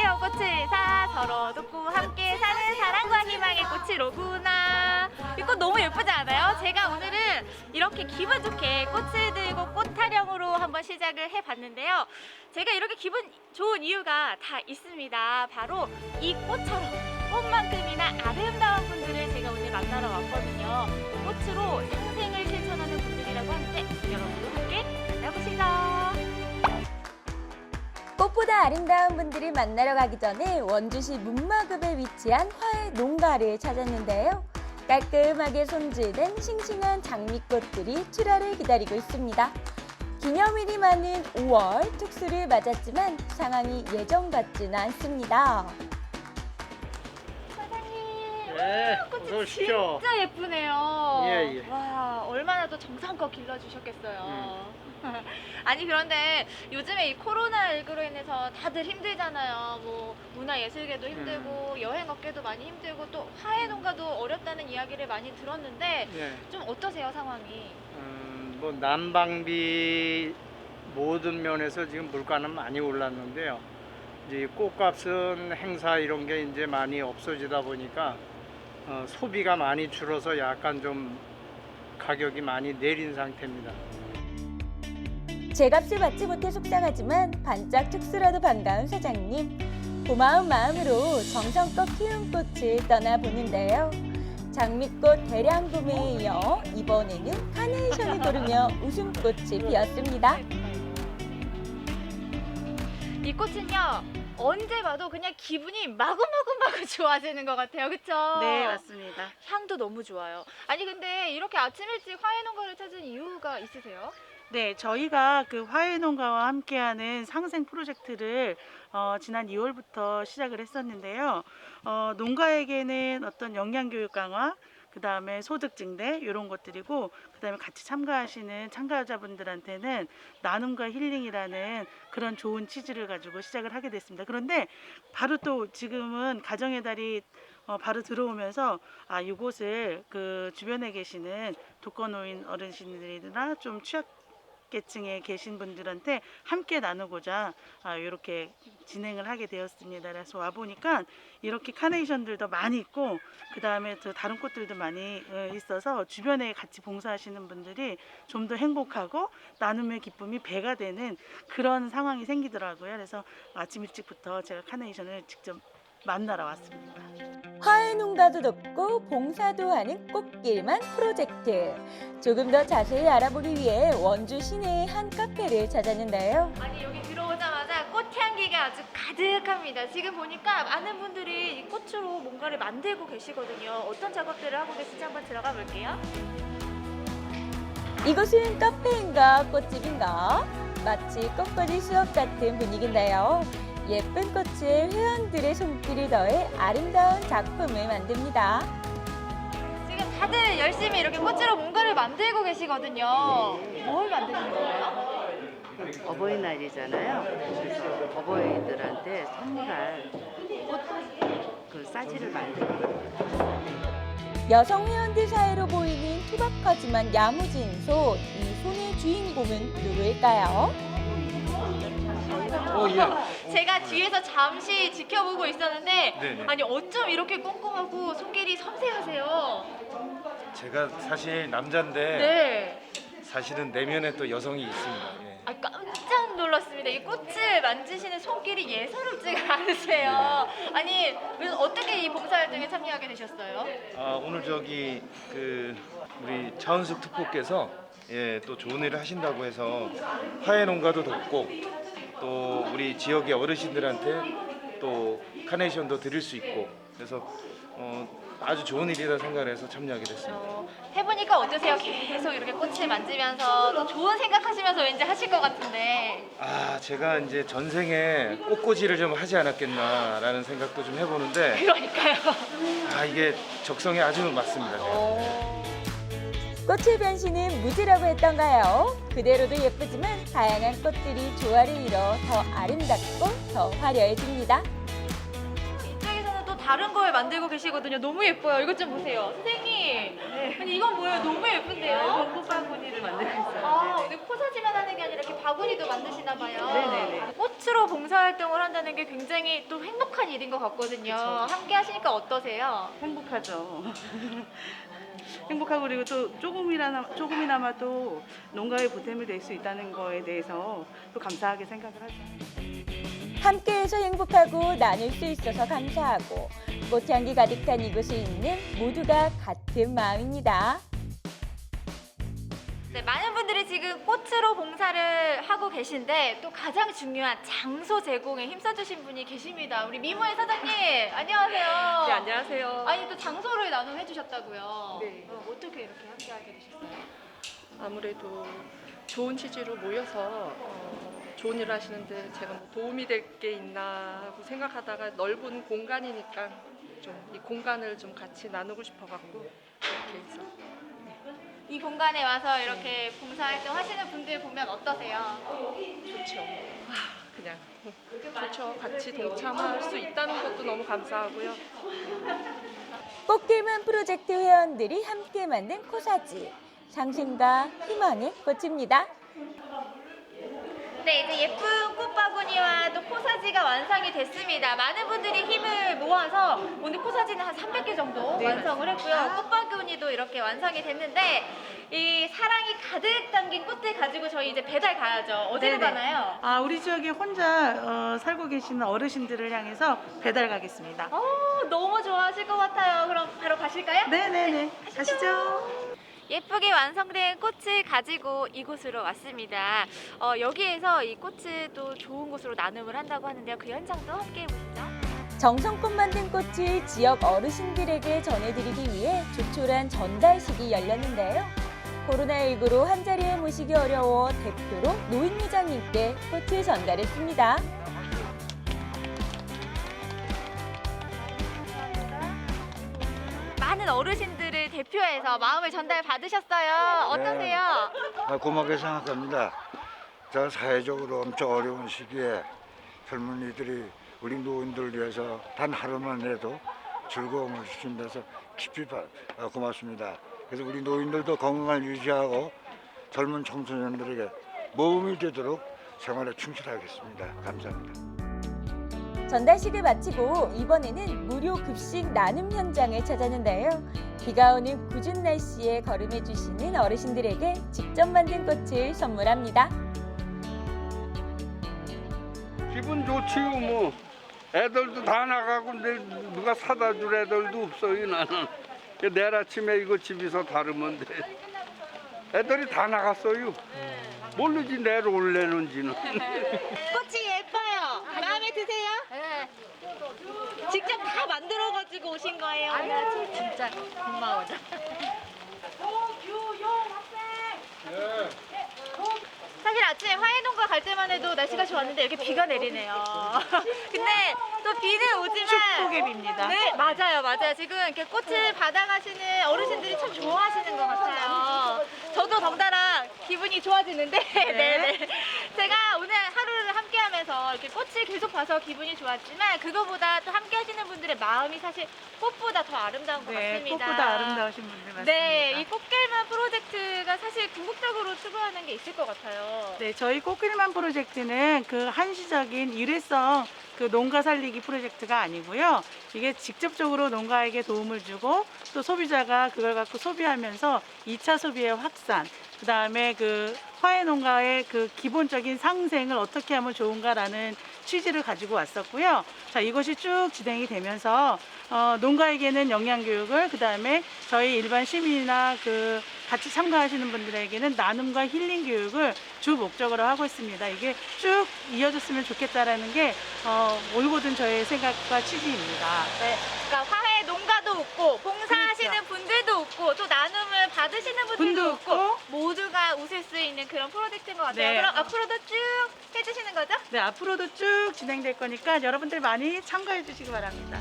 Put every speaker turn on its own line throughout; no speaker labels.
귀여운 꽃을 사 서로 돕고 함께 사는 사랑과 희망의 꽃이 로구나. 이 꽃 너무 예쁘지 않아요? 제가 오늘은 이렇게 기분 좋게 꽃을 들고 꽃 타령으로 한번 시작을 해봤는데요. 제가 이렇게 기분 좋은 이유가 다 있습니다. 바로 이 꽃처럼 꽃만큼이나 아름다운 분들을 제가 오늘 만나러 왔거든요. 꽃으로 상생을 실천하는 분들이라고 하는데 여러분도 함께 만나보시죠.
꽃보다 아름다운 분들을 만나러 가기 전에 원주시 문마급에 위치한 화훼 농가를 찾았는데요. 깔끔하게 손질된 싱싱한 장미꽃들이 출하를 기다리고 있습니다. 기념일이 많은 5월 특수를 맞았지만 상황이 예전 같지는 않습니다.
사장님,
네,
꽃이
어서 오십시오.
진짜 예쁘네요.
예, 예.
와, 얼마나 더 정성껏 길러주셨겠어요. 아니 그런데 요즘에 이 코로나19로 인해서 다들 힘들잖아요. 뭐 문화예술계도 힘들고 여행업계도 많이 힘들고 또 화훼농가도 어렵다는 이야기를 많이 들었는데
예.
좀 어떠세요 상황이?
뭐 난방비 모든 면에서 지금 물가는 많이 올랐는데요. 이제 꽃값은 행사 이런 게 이제 많이 없어지다 보니까 소비가 많이 줄어서 약간 좀 가격이 많이 내린 상태입니다.
제값을 받지 못해 속상하지만 반짝 특수라도 반가운 사장님. 고마운 마음으로 정성껏 키운 꽃을 떠나보는데요. 장미꽃 대량 구매에 이어 이번에는 카네이션을 고르며 웃음꽃이 피었습니다.
이 꽃은요 언제 봐도 그냥 기분이 마구마구마구 좋아지는 것 같아요. 그쵸?
네, 맞습니다.
향도 너무 좋아요. 아니 근데 이렇게 아침 일찍 화훼농가를 찾은 이유가 있으세요?
네, 저희가 그 화훼농가와 함께하는 상생 프로젝트를 지난 2월부터 시작을 했었는데요. 농가에게는 어떤 영양교육 강화, 그 다음에 소득 증대 이런 것들이고, 그 다음에 같이 참가하시는 참가자분들한테는 나눔과 힐링이라는 그런 좋은 취지를 가지고 시작을 하게 됐습니다. 그런데 바로 또 지금은 가정의 달이 바로 들어오면서 이곳을 그 주변에 계시는 독거노인 어르신들이나 좀 취약계층에 계신 분들한테 함께 나누고자 이렇게 진행을 하게 되었습니다. 그래서 와 보니까 이렇게 카네이션들도 많이 있고 그 다음에 또 다른 꽃들도 많이 있어서 주변에 같이 봉사하시는 분들이 좀 더 행복하고 나눔의 기쁨이 배가 되는 그런 상황이 생기더라고요. 그래서 아침 일찍부터 제가 카네이션을 직접 만나러 왔습니다.
화훼 농가도 돕고 봉사도 하는 꽃길만 프로젝트. 조금 더 자세히 알아보기 위해 원주 시내의 한 카페를 찾았는데요.
아니 여기 들어오자마자 꽃향기가 아주 가득합니다. 지금 보니까 많은 분들이 이 꽃으로 뭔가를 만들고 계시거든요. 어떤 작업들을 하고 계신지 한번 들어가 볼게요.
이곳은 카페인가 꽃집인가? 마치 꽃거리 수업 같은 분위기인데요. 예쁜 꽃에 회원들의 손길을 더해 아름다운 작품을 만듭니다.
지금 다들 열심히 이렇게 꽃으로 뭔가를 만들고 계시거든요. 뭘 만드시는 거예요?
어버이날이잖아요. 그래서 어버이들한테 선물할 그 싸지를 만들고
여성 회원들 사이로 보이는 투박하지만 야무진 손. 이 손의 주인공은 누구일까요?
제가 뒤에서 잠시 지켜보고 있었는데
네네.
아니 어쩜 이렇게 꼼꼼하고 손길이 섬세하세요?
제가 사실 남자인데
네.
사실은 내면에 또 여성이 있습니다. 예.
아, 깜짝 놀랐습니다. 이 꽃을 만지시는 손길이 예사롭지가 않으세요. 아니, 어떻게 이 봉사활동에 참여하게 되셨어요?
오늘 저기 그 우리 차은숙 특보께서 또 좋은 일을 하신다고 해서 화훼농가도 돕고 또 우리 지역의 어르신들한테 또 카네이션도 드릴 수 있고 그래서 아주 좋은 일이라 생각해서 참여하게 됐습니다.
해보니까 어떠세요? 계속 이렇게 꽃을 만지면서 또 좋은 생각하시면서 왠지 하실 것 같은데.
제가 이제 전생에 꽃꽂이를 좀 하지 않았겠나라는 생각도 좀 해보는데
그러니까요.
이게 적성에 아주 맞습니다.
꽃의 변신은 무지라고 했던가요? 그대로도 예쁘지만 다양한 꽃들이 조화를 이뤄 더 아름답고 더 화려해집니다.
이쪽에서는 또 다른 걸 만들고 계시거든요. 너무 예뻐요. 이것 좀 보세요. 선생님. 아니 이건 뭐예요? 너무 예쁜데요?
꽃바구니를 만들고 있어요.
근데 포사지만 하는 게 아니라 이렇게 바구니도 만드시나 봐요.
네네네.
꽃으로 봉사할 봉사활동을 한다는 게 굉장히 또 행복한 일인 것 같거든요. 함께 하시니까 어떠세요?
행복하죠. 행복하고 그리고 또 조금이나마도 농가에 보탬이 될 수 있다는 거에 대해서 또 감사하게 생각을 하죠.
함께해서 행복하고 나눌 수 있어서 감사하고 꽃향기 가득한 이곳에 있는 모두가 같은 마음입니다.
네, 많은 분들이 지금 꽃으로 봉사를 하고 계신데 또 가장 중요한 장소 제공에 힘써주신 분이 계십니다. 우리 미모의 사장님, 안녕하세요.
네, 안녕하세요.
아니 또 장소를 나눔해 주셨다고요.
네.
어떻게 이렇게 함께하게 되셨어요?
아무래도 좋은 취지로 모여서 좋은 일을 하시는데 제가 뭐 도움이 될 게 있나 하고 생각하다가 넓은 공간이니까 좀 이 공간을 좀 같이 나누고 싶어갖고 이렇게 해서
이 공간에 와서 이렇게 봉사활동 하시는 분들 보면 어떠세요?
좋죠. 그냥 좋죠. 같이 동참할 수 있다는 것도 너무 감사하고요.
꽃길만 프로젝트 회원들이 함께 만든 코사지. 상심과 희망의 꽃입니다.
네, 이제 예쁜 꽃바구니와 또 코사지가 완성이 됐습니다. 많은 분들이 힘을 모아서 오늘 코사지는 한 300개 정도 완성을 했고요. 꽃바구니도 이렇게 완성이 됐는데 이 사랑이 가득 담긴 꽃들 가지고 저희 이제 배달 가야죠. 어디로
네네.
가나요?
우리 지역에 혼자 살고 계시는 어르신들을 향해서 배달 가겠습니다.
너무 좋아하실 것 같아요. 그럼 바로 가실까요?
네네네. 가시죠.
예쁘게 완성된 꽃을 가지고 이곳으로 왔습니다. 여기에서 이 꽃을 또 좋은 곳으로 나눔을 한다고 하는데요. 그 현장도 함께 해보시죠.
정성껏 만든 꽃을 지역 어르신들에게 전해드리기 위해 조촐한 전달식이 열렸는데요. 코로나19로 한자리에 모시기 어려워 대표로 노인회장님께 꽃을 전달했습니다.
많은 어르신들을 대표해서 마음을 전달 받으셨어요. 어떠세요?
고맙게 생각합니다. 저 사회적으로 엄청 어려운 시기에 젊은이들이 우리 노인들을 위해서 단 하루만이라도 즐거움을 주신 데서 깊이 고맙습니다. 그래서 우리 노인들도 건강을 유지하고 젊은 청소년들에게 모험이 되도록 생활에 충실하겠습니다. 감사합니다.
전달식을 마치고 이번에는 무료 급식 나눔 현장을 찾았는데요. 비가 오는 궂은 날씨에 걸음해 주시는 어르신들에게 직접 만든 꽃을 선물합니다.
기분 좋지요 뭐. 애들도 다 나가고 누가 사다 줄 애들도 없어요 나는. 내일 아침에 이거 집에서 다루면 돼. 애들이 다 나갔어요. 모르지 내일 올래는지는.
꽃이 예뻐요. 마음에 드세요? 네. 직접 다 만들어가지고 오신 거예요? 아니요, 진짜 고마워요. 사실 아침에 화해농가 갈 때만 해도 날씨가 좋았는데 이렇게 비가 내리네요. 근데 또 비는 오지만
축복의 비입니다.
네, 맞아요. 지금 이렇게 꽃을 받아가시는 어르신들이 참 좋아하시는 것 같아요. 저도 덩달아 기분이 좋아지는데, 네. 제가 오늘 하루를 함께하면서 이렇게 꽃을 계속 봐서 기분이 좋았지만 그거보다 또 함께하시는 분들의 마음이 사실 꽃보다 더 아름다운 것
네,
같습니다.
꽃보다 아름다우신 분들 맞습니다.
네, 이 꽃길만 프로젝트가 사실 궁극적으로 추구하는 게 있을 것 같아요.
네, 저희 꽃길만 프로젝트는 그 한시적인 일회성 그 농가 살리기 프로젝트가 아니고요. 이게 직접적으로 농가에게 도움을 주고 또 소비자가 그걸 갖고 소비하면서 2차 소비의 확산, 그 다음에 그 화훼 농가의 그 기본적인 상생을 어떻게 하면 좋은가라는 취지를 가지고 왔었고요. 자, 이것이 쭉 진행이 되면서 농가에게는 영양 교육을, 그 다음에 저희 일반 시민이나 그 같이 참가하시는 분들에게는 나눔과 힐링 교육을 주 목적으로 하고 있습니다. 이게 쭉 이어졌으면 좋겠다라는 게 올고든 저의 생각과 취지입니다.
네, 그러니까 화훼 농가도 웃고 봉사하시는
그렇죠.
분들도 웃고 또 나눔을 받으시는 분들도
분도
웃고
웃고.
모두가 웃을 수 있는 그런 프로젝트인 것 같아요.
네.
그럼 앞으로도 쭉 해주시는 거죠?
네, 앞으로도 쭉 진행될 거니까 여러분들 많이 참가해 주시기 바랍니다.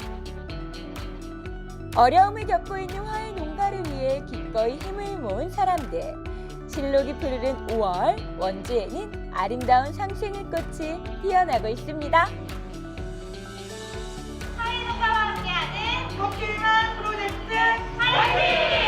어려움을 겪고 있는 화훼 농가를 위해 기꺼이 힘을 모은 사람들. 실록이 푸르른 5월, 원주에는 아름다운 상생의 꽃이 피어나고 있습니다.
화훼 농가와 함께하는
꽃길만 프로젝트
화이팅!